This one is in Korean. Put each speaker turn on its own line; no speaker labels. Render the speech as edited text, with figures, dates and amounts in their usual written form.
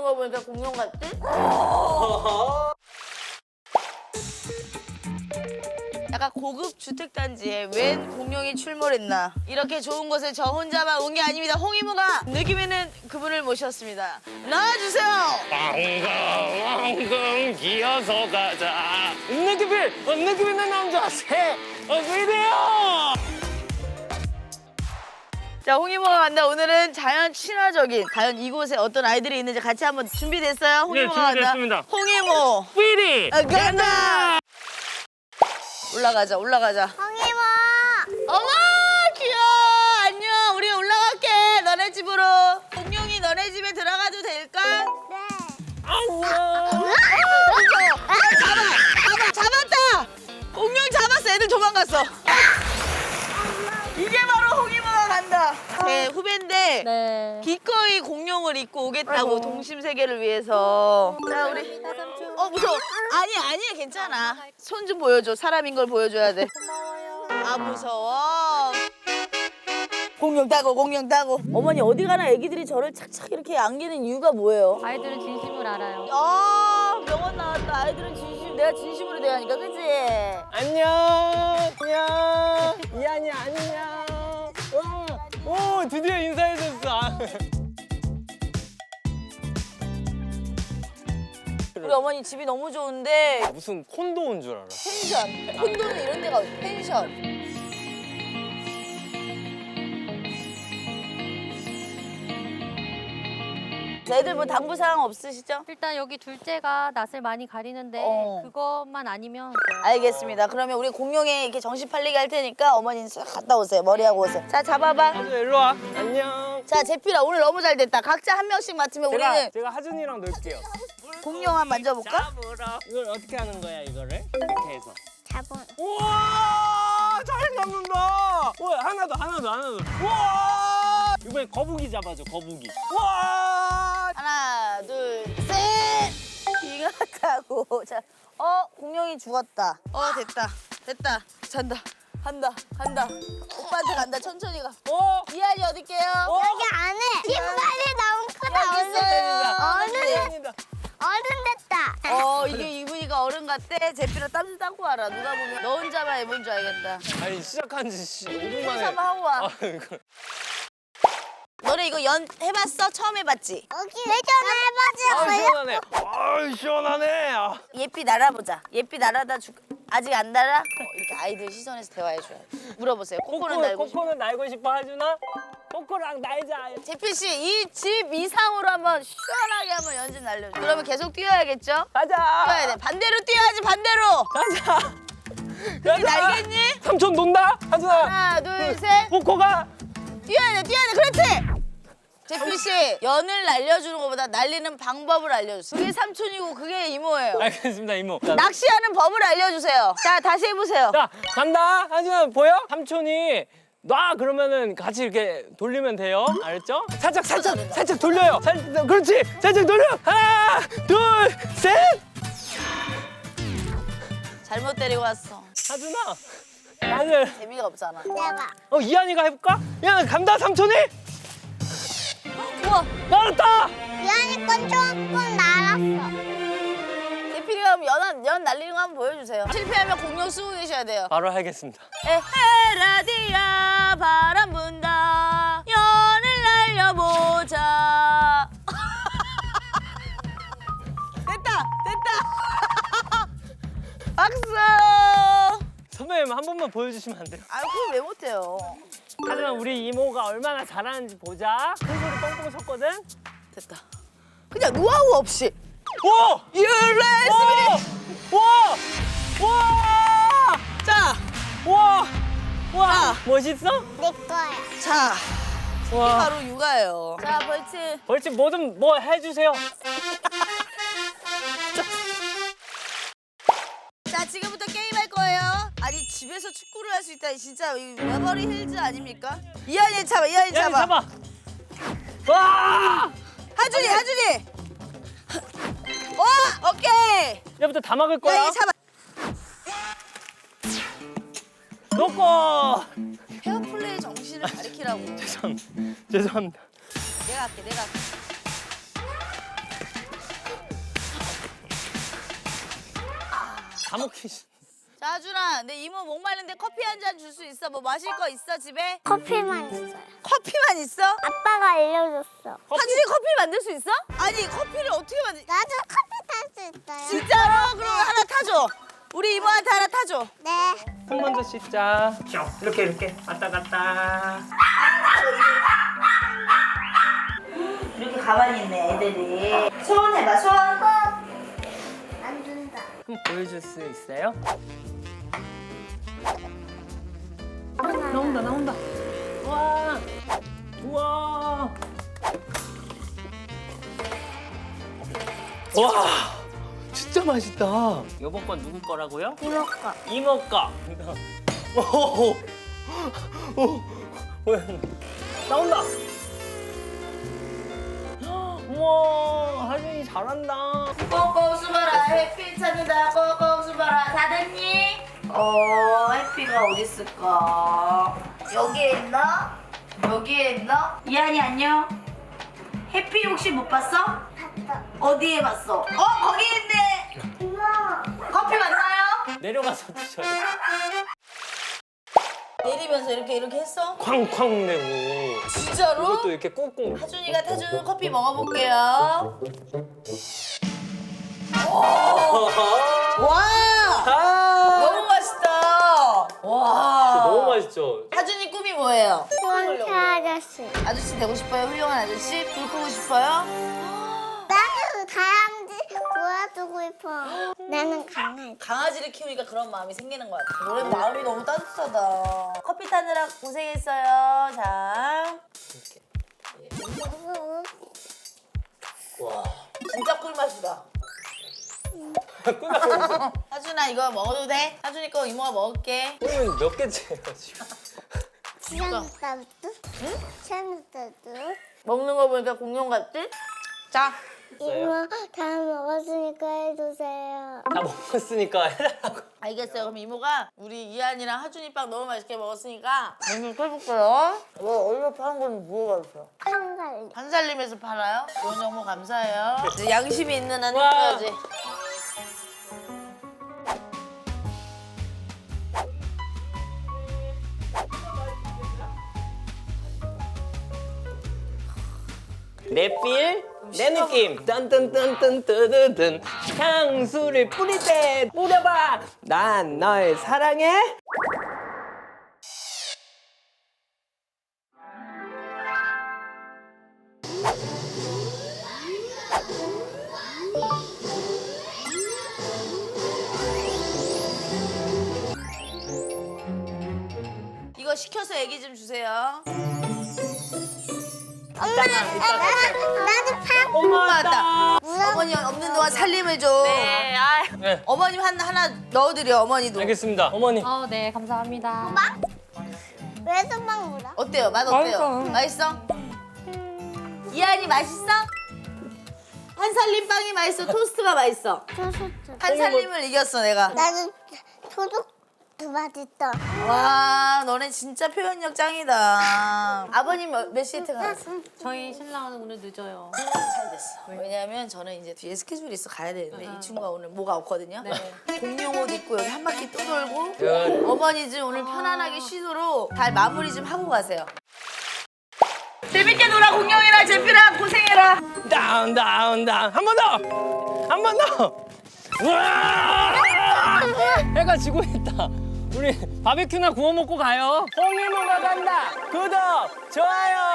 거 보니까 공룡 같지? 약간 고급 주택단지에 웬 공룡이 출몰했나. 이렇게 좋은 곳에 저 혼자만 온 게 아닙니다. 홍이모가 느낌 있는 그분을 모셨습니다. 나와주세요.
왕궁 기어서 가자. 느낌 있는 남자 새어이래요.
자, 홍이모가 간다. 오늘은 자연 친화적인 과연 이곳에 어떤 아이들이 있는지 같이 한번 준비됐어요? 홍이모가 간다.
준비됐습니다.
홍이모
삐리
간다. 올라가자.
홍이모!
어머 귀여워. 안녕. 우리 올라갈게. 너네 집으로. 공룡이 너네 집에 들어가도 될까?
네.
안녕.
잡았다. 공룡 잡았어. 애들 도망갔어. 이게 바로 홍이모가 간다. 제 후배인데
네.
기꺼이 공룡을 입고 오겠다고 동심 세계를 위해서. 자 우리. 무서워. 아니야 괜찮아. 손 좀 보여줘. 사람인 걸 보여줘야 돼.
고마워요.
아 무서워. 공룡 따고. 어머니 어디 가나 애기들이 저를 착착 이렇게 안기는 이유가 뭐예요?
아이들은 진심을 알아요.
명언 나왔다. 아이들은 진심. 내가 진심으로 대하니까 그치?
안녕. 이한이 안녕. 오 드디어 인사해줬어.
우리 어머니 집이 너무 좋은데
무슨 콘도 온 줄 알아.
펜션. 콘도는 이런 데가 어디 펜션. 애들 뭐 당부 사항 없으시죠?
일단 여기 둘째가 낯을 많이 가리는데 그것만 아니면 돼요.
알겠습니다. 그러면 우리 공룡에 이렇게 정신 팔리게 할 테니까 어머니는 싹 갔다 오세요. 머리하고 오세요. 자 잡아봐.
하준 일로 와. 안녕.
자 제필아 오늘 너무 잘 됐다. 각자 한 명씩 맡으면 우리는
제가 하준이랑 놀게요.
공룡 한번 만져볼까?
잡으러. 이걸 어떻게 하는 거야 이거를? 이렇게 해서.
잡은.
우와 잘 잡는다. 우와 하나 더. 우와 이번에 거북이 잡아줘 거북이. 우와
하나 둘 셋. 이거 타고 자 공룡이 죽었다. 됐다. 잔다. 간다. 오빠한테 간다. 천천히 가. 이한이 어딜게요?
여기 안에 신발이 너무 크다.
여기 있어요.
어른 됐다.
이게 이분이가 어른 같대. 제필아 땀 좀 닦고 와라. 누가 보면 너 혼자만 해본 줄 알겠다.
아니 시작한 지 5분 만에.
한번 하고 와.
이거.
너네 이거 연 해봤어? 처음 해봤지?
여기 왜 전화해봤어요?
시원하네. 시원하네.
예삐 날아보자. 예삐 날아다 아직 안 날아? 이렇게 아이들 시선에서 대화해줘야 돼. 물어보세요. 코코는 날고 싶어?
코코는 날고 싶어 하준아? 코코랑 날자.
제필 씨, 이 집 이상으로 한번 시원하게 한번 연습 날려줘. 그러면 계속 뛰어야겠죠?
가자.
뛰어야 돼. 반대로 뛰어야지, 반대로.
가자.
그렇게 날겠니?
삼촌 논다? 하준아.
하나, 둘, 셋.
코코가.
뛰어야 돼. 그렇지! 제필 씨, 연을 날려주는 것보다 날리는 방법을 알려주세요. 그게 삼촌이고 그게 이모예요.
알겠습니다 이모.
낚시하는 법을 알려주세요. 자, 다시 해보세요.
자 간다. 하준아 보여? 삼촌이 놔 그러면은 같이 이렇게 돌리면 돼요. 알았죠? 살짝 돌려요. 그렇지. 살짝 돌려. 하나, 둘, 셋.
잘못 데리고 왔어.
하준아. 나는
재미가 없잖아.
내가.
이한이가 해볼까? 야 간다 삼촌이.
우와,
날았다.
이한이 건 조금 날았어.
대필이가 그럼 연 날리는 거 한번 보여주세요. 실패하면 공룡 쓰고 계셔야 돼요.
바로 하겠습니다.
에헤라디야 바람 분다 연을 날려보자. 됐다. 박수.
선배님 한 번만 보여주시면 안 돼요?
아 그걸 왜 못해요?
하지만 우리 이모가 얼마나 잘하는지 보자. 큰 소리 뻥뻥 쳤거든.
됐다. 그냥 노하우 없이.
오!
유레스미.
와!
자,
와! 멋있어?
내 거야.
자,
와.
바로 육아예요. 자, 벌칙.
벌칙 뭐든 뭐 해주세요.
자, 지금부터 게임할 거예요. 아니 집에서 축구를 할 수 있다. 진짜 이 메버리 힐즈 아닙니까? 이한이 잡아.
잡아. 와!
하준이. 오케이.
얘부터 다 막을 거야.
이한이 잡아.
놓고.
페어플레이 정신을 가리키라고.
죄송합니다.
내가 할게.
다 먹기 싫어.
자, 하준아, 내 이모 목마른데 커피 한 잔 줄 수 있어? 뭐 마실 거 있어, 집에?
커피만 있어요.
커피만 있어?
아빠가 알려줬어.
하준이 커피 만들 수 있어? 아니, 커피를 어떻게 만들...
나도 커피 탈 수 있어요.
진짜로? 그럼 하나 타줘. 우리 이모한테 하나 타줘.
네.
손 먼저 씻자. 이렇게 왔다 갔다.
이렇게 가만히 있네, 애들이. 손 해봐, 손.
안 준다.
그럼 보여줄 수 있어요? 나온다. 우와. 우와. 와. 진짜 맛있다. 요번 건 누구 거라고요?
이모 거.
이모 거. 오. 오. 뭐야? 나온다. 우와, 하준이 잘한다.
꼭꼭 숨어라, 햇빛 찾는다. 꼭꼭 숨어라. 다 됐니? 햇빛가 어디 있을까? 여기에 있나? 여기에 있나? 이한이 안녕. 햇빛 혹시 못 봤어?
봤어.
어디에 봤어? 거기 있네.
이모.
커피 맞나요?
내려가서 드셔요.
내리면서 이렇게 했어?
쾅쾅 내고.
진짜로?
이것도 이렇게 꾹꾹.
하준이가 타준 커피 먹어볼게요. 와!
아.
너무 맛있다. 와.
너무 맛있죠?
하준이 꿈이 뭐예요?
수원태 아저씨.
아저씨 되고 싶어요? 훌륭한 아저씨? 불 끄고 싶어요?
나는 다람쥐 구워주고 싶어. 나는 강아지.
강아지를 키우니까 그런 마음이 생기는 것 같아. 노래 마음이 너무 따뜻하다. 커피 타느라 고생했어요. 자. 와. 진짜 꿀맛이다. 하준아 이거 먹어도 돼? 하준이 거 이모가 먹을게.
오늘 몇 개째예요 지금?
치장따도? 응? 치장따도?
먹는 거 보니까 공룡 같지? 자.
이모 다 먹었으니까 해주세요.
다 먹었으니까 해달라고.
알겠어요. 그럼 이모가 우리 이한이랑 하준이 빵 너무 맛있게 먹었으니까 메뉴 해볼게요. 어디서 파는 건 뭐가 있어?
한살.
한살림에서 팔아요? 좋은 정보 감사해요. 이제 양심이 있는 한
와.
해야지.
내 필, 내 느낌. 딴딴딴딴따드든 향수를 뿌릴 때 뿌려봐. 난 널 사랑해.
이거 시켜서 얘기 좀 주세요.
나도 파.
엄마
맞다. 어머니 없는 동안 살림을 좀.
네.
네,
어머님 하나 넣어드려 어머니도.
알겠습니다. 어머니.
네, 감사합니다.
왜 소방 물어?
어때요? 맛 어때요? 맛있어? 이한이 맛있어? 한살림 빵이 맛있어? 토스트가 맛있어? 한살림을 이겼어 내가.
나는 소독도 맛있다.
와 너네 진짜 표현력 짱이다. 아버님 몇 시에 퇴근하셨어?
저희 신랑은 오늘 늦어요.
잘 됐어. 왜냐면 저는 이제 뒤에 스케줄이 있어 가야 되는데 이 친구가 오늘 뭐가 없거든요. 공룡 옷 입고 여기 한 바퀴 또 돌고
야,
어머니 좀 오늘 편안하게 쉬도록 잘 마무리 좀 하고 가세요. 재밌게 놀아 공룡이랑 제피랑 고생해라.
다운. 한 번 더. 한 번 더. 우와! 해가 지고 있다. 우리 바베큐나 구워 먹고 가요. 홍이모가 간다. 구독, 좋아요.